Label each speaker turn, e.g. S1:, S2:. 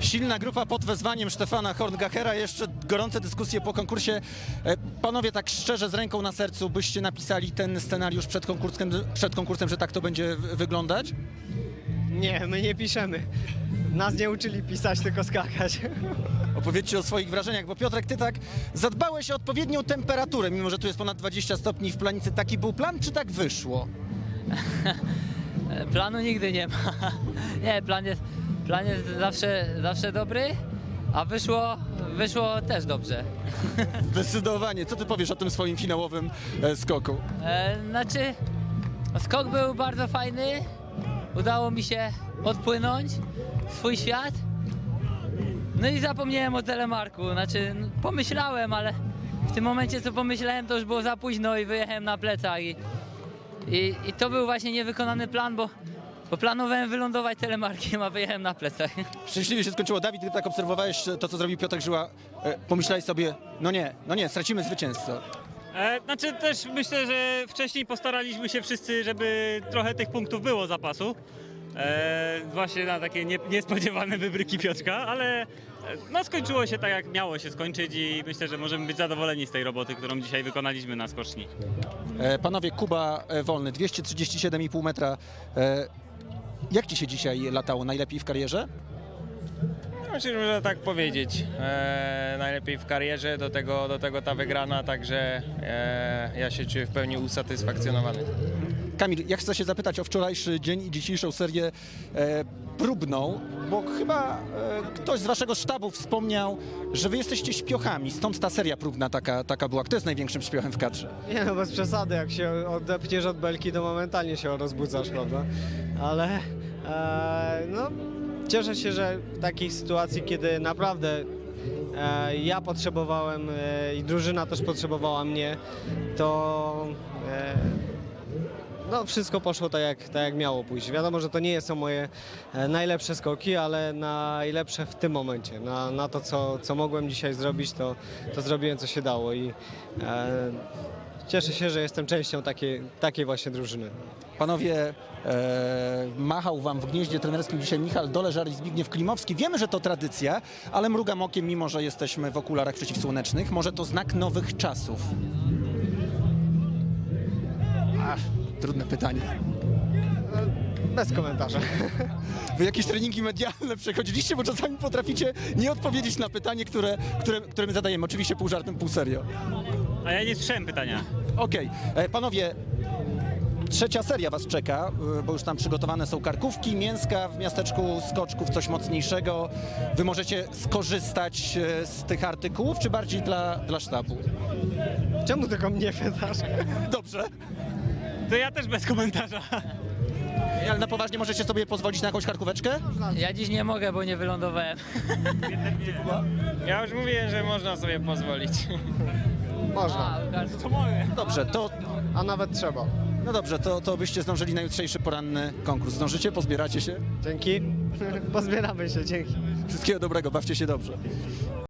S1: Silna grupa pod wezwaniem Stefana Horngachera, jeszcze gorące dyskusje po konkursie. Panowie, tak szczerze, z ręką na sercu, byście napisali ten scenariusz przed konkursem, że tak to będzie wyglądać?
S2: Nie, my nie piszemy. Nas nie uczyli pisać, tylko skakać.
S1: Opowiedzcie o swoich wrażeniach, bo Piotrek, ty tak zadbałeś o odpowiednią temperaturę, mimo że tu jest ponad 20 stopni w Planicy. Taki był plan, czy tak wyszło?
S3: Planu nigdy nie ma. Nie, plan jest zawsze dobry, a wyszło też dobrze.
S1: Zdecydowanie. Co ty powiesz o tym swoim finałowym skoku?
S3: Znaczy, skok był bardzo fajny. Udało mi się odpłynąć w swój świat. No i zapomniałem o telemarku. Znaczy, pomyślałem, ale w tym momencie, co pomyślałem, to już było za późno i wyjechałem na plecach. I to był właśnie niewykonany plan, bo planowałem wylądować telemarkiem, a wyjechałem na plecach.
S1: Szczęśliwie się skończyło. Dawid, gdy tak obserwowałeś to, co zrobił Piotr Żyła, pomyślałeś sobie, no nie, stracimy zwycięzcę.
S4: Znaczy też myślę, że wcześniej postaraliśmy się wszyscy, żeby trochę tych punktów było zapasu. Właśnie na takie niespodziewane wybryki Piotrka, ale no skończyło się tak, jak miało się skończyć i myślę, że możemy być zadowoleni z tej roboty, którą dzisiaj wykonaliśmy na skoczni.
S1: Panowie, Kuba Wolny, 237,5 metra. Jak ci się dzisiaj latało? Najlepiej w karierze?
S5: Myślę, że można tak powiedzieć. Najlepiej w karierze, do tego ta wygrana, także ja się czuję w pełni usatysfakcjonowany.
S1: Kamil, ja chcę się zapytać o wczorajszy dzień i dzisiejszą serię próbną, bo chyba ktoś z waszego sztabu wspomniał, że wy jesteście śpiochami, stąd ta seria próbna taka była. Kto jest największym śpiochem w kadrze?
S2: Nie no, bez przesady, jak się odepniesz od belki, to momentalnie się rozbudzasz, prawda? Ale no, cieszę się, że w takiej sytuacji, kiedy naprawdę ja potrzebowałem i drużyna też potrzebowała mnie, to no, wszystko poszło tak jak miało pójść. Wiadomo, że to nie są moje najlepsze skoki, ale najlepsze w tym momencie. Na to, co mogłem dzisiaj zrobić, to zrobiłem, co się dało i cieszę się, że jestem częścią takiej właśnie drużyny.
S1: Panowie, machał wam w gnieździe trenerskim dzisiaj Michał Doleżar i Zbigniew Klimowski. Wiemy, że to tradycja, ale mrugam okiem, mimo że jesteśmy w okularach przeciwsłonecznych. Może to znak nowych czasów? Trudne pytanie.
S2: Bez komentarza.
S1: Wy jakieś treningi medialne przechodziliście, bo czasami potraficie nie odpowiedzieć na pytanie, które my zadajemy. Oczywiście pół żartem, pół serio.
S4: A ja nie słyszałem pytania.
S1: Okej. Panowie, trzecia seria was czeka, bo już tam przygotowane są karkówki, mięska w miasteczku skoczków, coś mocniejszego. Wy możecie skorzystać z tych artykułów, czy bardziej dla sztabu?
S2: Czemu tylko mnie pytasz?
S1: Dobrze.
S4: To ja też bez komentarza.
S1: Ale na poważnie możecie sobie pozwolić na jakąś karkóweczkę?
S3: Ja dziś nie mogę, bo nie wylądowałem.
S5: Ja już mówiłem, że można sobie pozwolić.
S2: Można,
S4: To mogę.
S1: Dobrze,
S2: a nawet trzeba.
S1: no dobrze, to byście zdążyli na jutrzejszy poranny konkurs. Zdążycie? Pozbieracie się?
S2: Dzięki. Pozbieramy się, dzięki.
S1: Wszystkiego dobrego, bawcie się dobrze.